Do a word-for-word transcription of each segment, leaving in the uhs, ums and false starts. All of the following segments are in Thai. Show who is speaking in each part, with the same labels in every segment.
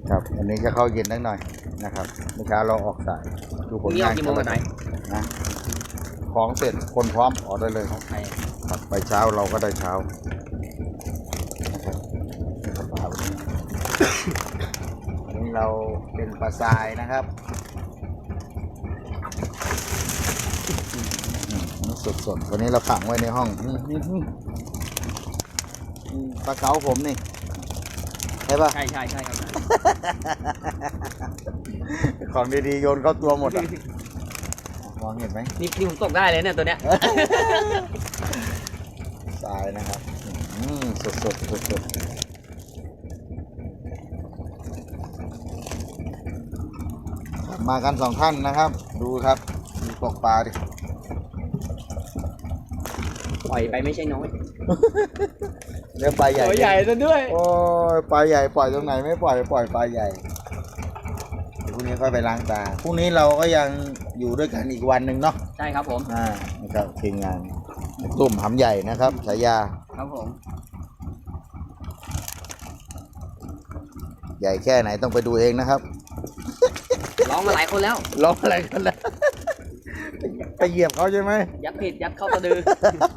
Speaker 1: ครับอันนี้จะเข้าเย็นนิดหน่อยนะครับเมื่อเช้าเราออกสายดูผลงานกี่โมงกันไหนนะของเสร็จคนพร้อมออกได้เลยครับครับไปเช้าเราก็ได้เช้านะครับปลาวันนี้วันนี้เราเป็นปลาทรายนะครับสดๆวันนี้เราขังไว้ในห้องปลาเก๋าผมนี่ใช่ปะ
Speaker 2: ใช่ใช่ใช่ครับ
Speaker 1: ของดีๆโยนเข้าตัวหมดอ่ะมองเห็นไหม
Speaker 2: นี่นี่ผมตกได้เลยเนี่ยตัวเนี้ย
Speaker 1: ทรายนะครับสดสดสดสดมากันสองท่านนะครับดูครับดูตกปลาดิ
Speaker 2: ปล่อยไปไม่ใช่น้อย
Speaker 1: เรื่องปลาใหญ่
Speaker 2: ตัวใหญ่ซะด้วย
Speaker 1: โอ้ยปลาใหญ่ปล่อยตรงไหนไม่ปล่อยปล่อยปลาใหญ่พรุ่งนี้ค่อยไปล้างตาพรุ่งนี้เราก็ยังอยู่ด้วยกันอีกวันหนึ่งเนาะ
Speaker 2: ใช่ครับผม
Speaker 1: อ่านะครับทีมงานตุ่มหำใหญ่นะครับฉายา
Speaker 2: ครับผม
Speaker 1: ใหญ่แค่ไหนต้องไปดูเองนะครับ
Speaker 2: ร้องมาหลายคนแล้ว
Speaker 1: ร้องอะไรกันแล้วไปเหยียบเขาใช่ไหม
Speaker 2: ยัดผิดยัดเข้าตะดือ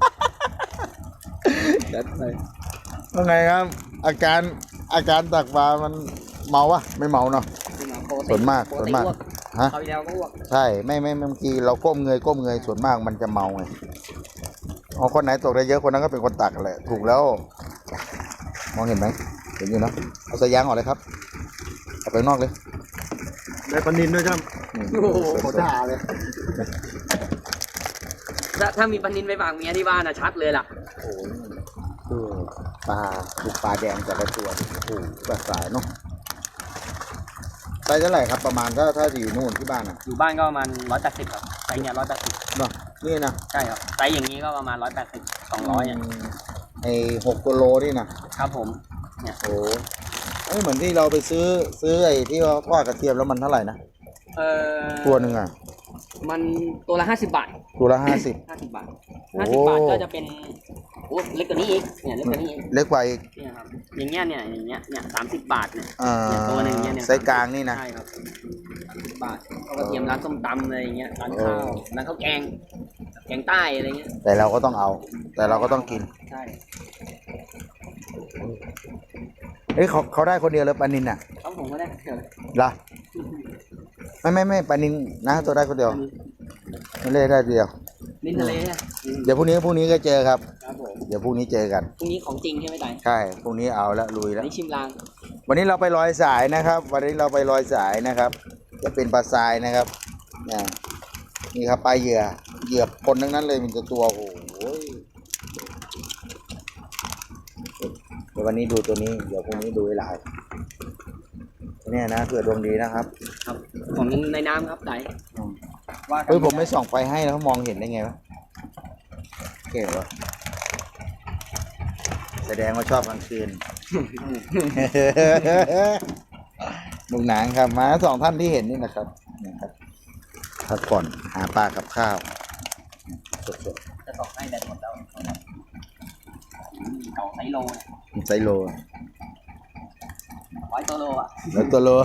Speaker 1: ยัดไปว่าไงครับอาการอาการตักปลามันเมาวะไม่เมาเนาะส่วนมากส่วนมาก
Speaker 2: ฮะเขาเดียวก็อ้วก
Speaker 1: ใช่ไม่ไม่บางทีเราก้มเงยก้มเงยส่วนมากมันจะเมาไงอ๋อคนไหนตกได้เยอะคนนั้นก็เป็นคนตักแหละถูกแล้วมองเห็นไหมเห็นอยู่เนาะเอาสายยางออกเลยครับเอาไปนอกเลย
Speaker 3: ได้ปลานิลด้วยครับ
Speaker 1: โอ้โหโคตรด่าเลย
Speaker 2: ถ้าถ้ามีปลานิลไปฝากเมียที่บ้านอะชัดเลยล่ะ
Speaker 1: โอ้โหปลาบุกปลาแดงแต่ละตัวโอ้โหปลาสายเนาะไซส์เท่าไหร่ครับประมาณถ้าถ้าอยู่นู่นที่บ้านอ่ะ
Speaker 2: อยู่บ้านก็ประมาณร้อยแปดสิบครับไซส์เนี้ยร้อยแปดสิบ
Speaker 1: เนาะนี่นะ
Speaker 2: ใช่ครับไซส์อย่างนี้ก็ประมาณร้อยแปดสิบสองร้อยเนี่ย
Speaker 1: ไอ้หกกิโลนี่นะครับ
Speaker 2: ผมเนี่ย
Speaker 1: โอ้ไอ้เหมือนที่เราไปซื้อซื้อไอ้ที่ว่าทอดกระเทียมแล้วมันเท่าไหร่นะ
Speaker 2: เออ
Speaker 1: ตัวหนึ่งอ่ะ
Speaker 2: มันตัวละห้าสิบบาท
Speaker 1: ตัวละห้าสิบ
Speaker 2: ห้าสิบบาทห้าสิบบาทก็จะเป็นโอ้เล็กกว่านี้อีกเนี่ยเล็กกว่านี้อีก
Speaker 1: เล็กกว่าอีก
Speaker 2: เนี่ยครับอย่างเงี้ยเนี่ยอย่างเงี้ยเนี่ยสามสิบบาทเนี่ย
Speaker 1: ตัวหนึ่งเนี่ยไซส์กลางนี่นะ
Speaker 2: ใช่ครับสามสิบบาทเขาก็เตรียมร้านส้มตำอะไรอย่างเงี้ยร้านข้าวร้านข้าวแกงแกงใต้อะไรเงี้ย
Speaker 1: แต่เราก็ต้องเอาแต่เราก็ต้องกิน
Speaker 2: ใช่
Speaker 1: เฮ้ยเขาเขาได้คนเดียวเลยปานินอ่ะ
Speaker 2: เขาผมก็ได้เฉย
Speaker 1: ล่ะไม่ไม่ไม่ปานินนะตัวได้คนเดียวไม่เล่ได้เดียว
Speaker 2: นินทะเล
Speaker 1: เดี๋ยวพรุ่งนี้พรุ่งนี้ก็เจอครับ
Speaker 2: ครับผม
Speaker 1: เดี๋ยวพรุ่งนี้เจอกัน
Speaker 2: พรุ่งนี้ของจริงใช่ไหมไต่
Speaker 1: ใช่พรุ่งนี้เอาละลุยแล้ว
Speaker 2: นี่ชิมลาง
Speaker 1: วันนี้เราไปลอยสายนะครับวันนี้เราไปลอยสายนะครับจะเป็นปลาทรายนะครับนี่นี่ครับปลาเหยื่อเหยื่อคนทั้งนั้นเลยมันจะตัวโอ้โหเดี๋ยววันนี้ดูตัวนี้เดี๋ยวพรุ่งนี้ดูหลายเนี่ยนะเผื่อดวงดีนะครับ
Speaker 2: ครับของในน้ำครับไต่
Speaker 1: ว่าเฮ้ยผมไม่ส่องไฟให้แล้วมองเห็นได้ไงวะเก๋วะแสดงว่าชอบกลางคืนลุงหนางครับมาสองท่านที่เห็นนี่นะครับนะครับพักผ่อนหาปลากับข้าว
Speaker 2: สดๆจะตอกให้แดดหมดแล้วเต่าไซโล
Speaker 1: ไซโล
Speaker 2: ร้อยตัวโลอ่ะ
Speaker 1: ร้อยตัวโล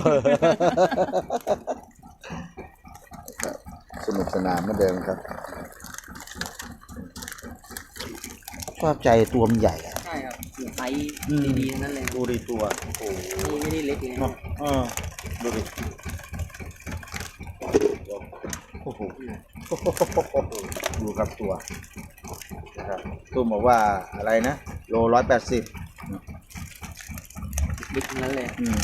Speaker 1: สนุกสนานเหมือนเดิมครับชอบใจตัวมันใหญ่อะ
Speaker 2: ใช่ครับไซส์ดีๆนั่นเลย
Speaker 1: ดูดิตัวโอ้
Speaker 2: โหไม่ได้เล็กเลย
Speaker 1: นะเออดูดิโอ้โหดูครับตัวนะครับตุ้มบอกว่าอะไรนะโลร้อยแปดสิบ
Speaker 2: บิ๊กนั้นเลย
Speaker 1: อืม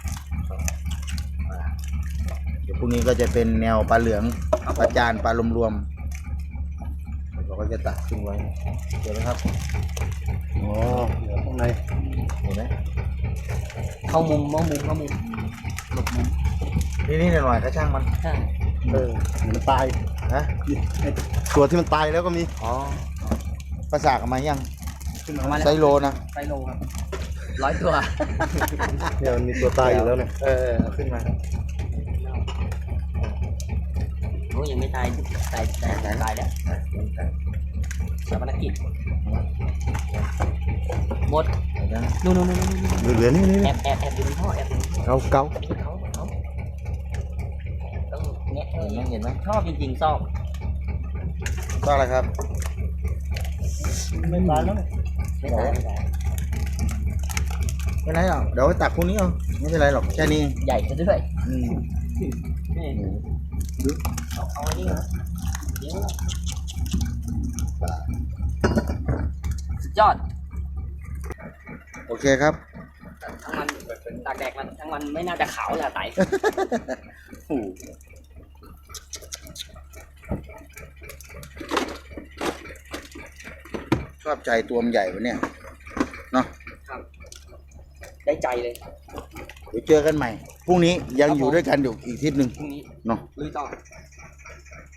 Speaker 1: เดี๋ยวพรุ่งนี้ก็จะเป็นแนวปลาเหลืองปลาจานปลารวมๆเราก็จะตักขึ้นไว้เห็นไหมครับโอ้เหลือข้างในเห็นไหม
Speaker 2: เข้ามุมเข้ามุมเข้ามุมหลบมุม
Speaker 1: นี่นี่หน่อยก็ช่างมัน
Speaker 2: ใช่
Speaker 3: เออมันตาย
Speaker 1: นะ
Speaker 3: ตัวที่มันตายแล้วก็มี
Speaker 1: อ๋อภาษากันมายังไซโลนะ
Speaker 2: ไซโลครับร้อยตัว
Speaker 3: เนี่ยมันมีตัวตายอยู่แล้วเนี่ย
Speaker 1: เออเอาขึ้นมา
Speaker 2: โอ้ยังไม่ตายตายตายตายตายแล้วชาปนกิจหมดนู่นนู่นนู่น
Speaker 3: เหลือนี่นี่
Speaker 2: แอบแอบแอบอยู่ในท่อแอบอยู่ในท่อ
Speaker 1: เกาเกา
Speaker 2: เขาเขาต้องเนี้ยเห็นไหมเห็นไหมชอบจริงๆชอบ
Speaker 1: ก็อะไรครับ
Speaker 3: ไม่ตายแล้วเนี่ย
Speaker 2: ไม่ตายไม่ตาย
Speaker 1: ไม่เป็นไรหรอกเดี๋ยวตักพรุ่งนี้เอาไม่เป็นไรหรอกแค่นี้
Speaker 2: ใหญ่ซะด้วย
Speaker 1: อืม
Speaker 2: นี่เอาเอาอันนี้เหรอเดี๋ยวสุดยอด
Speaker 1: โอเคครับ
Speaker 2: ทั้งมันตากแดดมันทั้งมันไม่น่าจะขาวเลยอะไต
Speaker 1: โอ้โหชอบใจตัวมันใหญ่วะเนี่ยเนาะ
Speaker 2: ครับ ได้ใจเลย
Speaker 1: เดี๋ยวเจอกันใหม่พรุ่งนี้ยังอยู่ด้วยกันอยู่อีกทิศหนึ่ง
Speaker 2: พรุ่งนี้
Speaker 1: เนาะ
Speaker 2: ลุยต่อ